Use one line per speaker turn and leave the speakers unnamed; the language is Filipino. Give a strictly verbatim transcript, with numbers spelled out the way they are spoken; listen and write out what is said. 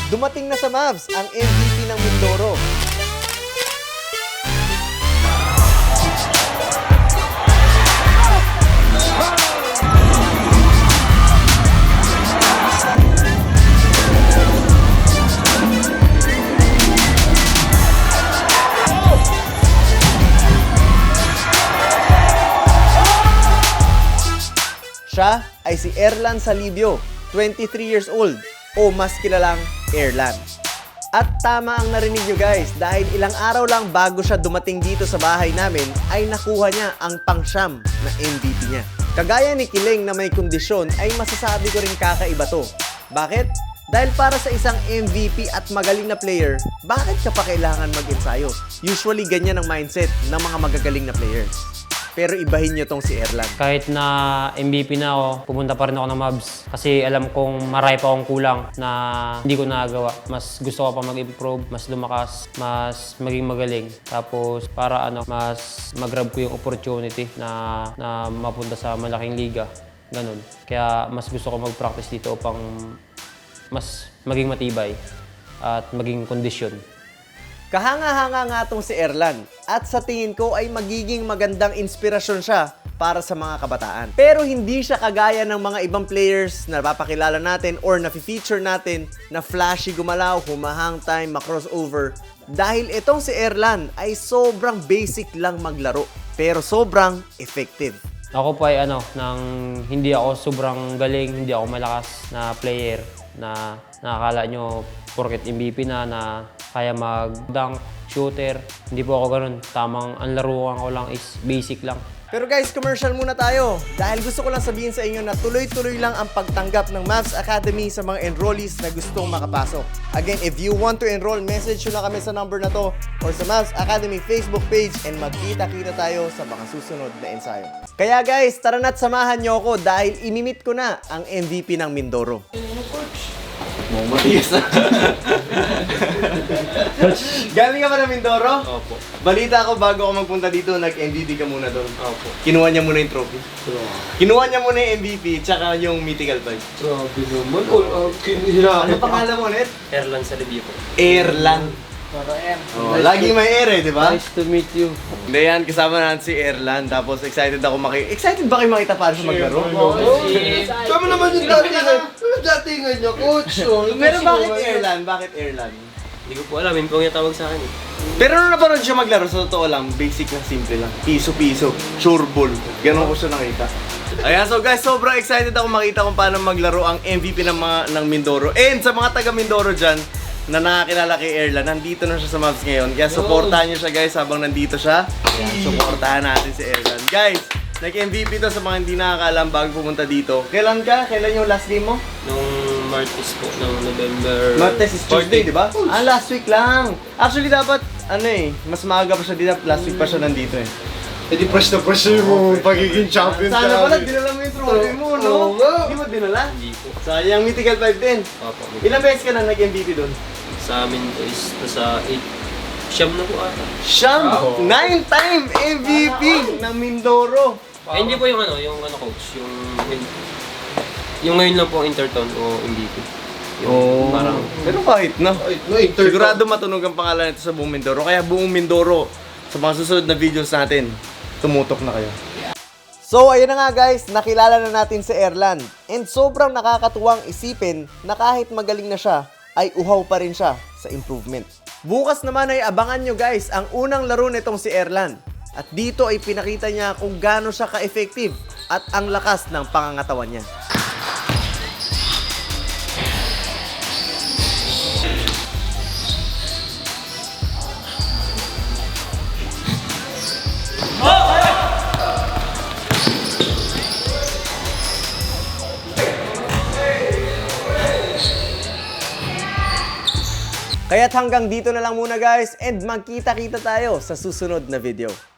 dumating na sa Mavs ang M V P ng Mindoro. Siya ay si Erlan Salibio, twenty-three years old, o mas kilalang Erlan. At tama ang narinig nyo guys, dahil ilang araw lang bago siya dumating dito sa bahay namin, ay nakuha niya ang pangsyam na M V P niya. Kagaya ni Kileng na may kondisyon, ay masasabi ko rin kakaiba to. Bakit? Dahil para sa isang M V P at magaling na player, bakit ka pa kailangan mag-ensayo? Usually ganyan ang mindset ng mga magagaling na players. Pero ibahin nyo tong si Erlan.
Kahit na M V P na ako, pumunta pa rin ako ng Mavs. Kasi alam kong marami pa akong kulang na hindi ko nagawa. Mas gusto ko pa mag-improve, mas lumakas, mas maging magaling. Tapos para ano, mas mag-grab ko yung opportunity na, na mapunta sa malaking liga. Ganun. Kaya mas gusto ko mag-practice dito upang mas maging matibay at maging kondisyon.
Kahanga-hanga nga tong si Erlan at sa tingin ko ay magiging magandang inspirasyon siya para sa mga kabataan. Pero hindi siya kagaya ng mga ibang players na napapakilala natin or na-feature natin na flashy gumalaw, humahang time, ma-crossover. Dahil itong si Erlan ay sobrang basic lang maglaro pero sobrang effective.
Ako po ay ano, nang hindi ako sobrang galing, hindi ako malakas na player na nakakala nyo porket M V P na na kaya mag-dunk, shooter. Hindi po ako ganun. Tamang ang laruan ko lang is basic lang.
Pero guys, commercial muna tayo. Dahil gusto ko lang sabihin sa inyo na tuloy-tuloy lang ang pagtanggap ng Mavs Academy sa mga enrollees na gustong makapasok. Again, if you want to enroll, message nyo na kami sa number na to or sa Mavs Academy Facebook page and magkita-kita tayo sa mga susunod na ensayo. Kaya guys, tara na't samahan nyo ako dahil imimit ko na ang M V P ng Mindoro.
Mo matigas na.
Galing ka ba ng Mindoro?
Opo.
Balita ko bago ako magpunta dito, nag-M V P ka muna doon.
Opo.
Kinuha niya muna yung trophy.
Grabe.
Kinuha niya muna yung M V P tsaka yung mythical five.
Grabe naman. All out kinira.
Ano pangalan mo ulit?
Erlan Salibio po.
Erlan.
Para M.
Oh, lagi may air eh, di ba?
Nice to meet you.
Hindi yan, kasama natin si Erlan. Tapos excited ako maki... Excited ba kayo makita paano siya maglaro?
Kami naman yung datingan. Yung datingan niya, coach.
Pero bakit Erlan? Bakit Erlan?
Hindi ko po alam, yun po yung tawag sa akin eh.
Pero nung napanood siya maglaro, sa totoo lang, basic lang, simple lang. Piso-piso, sure ball. Ganon ko siya nakita. Ayan, so guys, sobrang excited ako makita kung paano maglaro ang M V P ng, mga, ng Mindoro. And sa mga taga Mindoro dyan, na nakakilala kay Erlan, nandito na siya sa Mavs ngayon. Kaya supportahan niyo siya guys habang nandito siya. Ayan, supportahan natin si Erlan. Guys, nag-M V P to sa mga hindi nakakaalam bago pumunta dito. Kailan ka? Kailan yung last game mo?
Nung Martes po, ng November...
Martes is Tuesday, di ba? Ah, last week lang. Actually, dapat, ano eh, mas maaga pa siya dito. Last week pa siya nandito eh.
Eh di press na press mo pagiging champion ka.
Sana pala, dinala mo yung trophy mo, no?
Oo nga.
Hindi mo dinala?
Hindi po.
Sayang, mythical five din.
Opo.
Ilang beses ka na nag-M V P doon?
Sa amin po is nasa eight. Siyam na po ata.
Siyam! Nine-time M V P ng Mindoro.
Eh, hindi po yung ano, yung ano coach, yung... Yung ngayon lang po ang Interton o M V P. Yung
Oh.
parang...
Pero kahit na.
Ay, no, inter-
Sigurado matunog ang pangalan nito sa buong Mindoro. Kaya buong Mindoro, sa mga susunod na videos natin, tumutok na kayo. So, ayun na nga guys, nakilala na natin si Erlan. And sobrang nakakatuwang isipin na kahit magaling na siya, ay uhaw pa rin siya sa improvement. Bukas naman ay abangan nyo guys ang unang laro nitong si Erlan. At dito ay pinakita niya kung gaano siya ka-effective at ang lakas ng pangangatawan niya. Kaya't hanggang dito na lang muna guys and magkita-kita tayo sa susunod na video.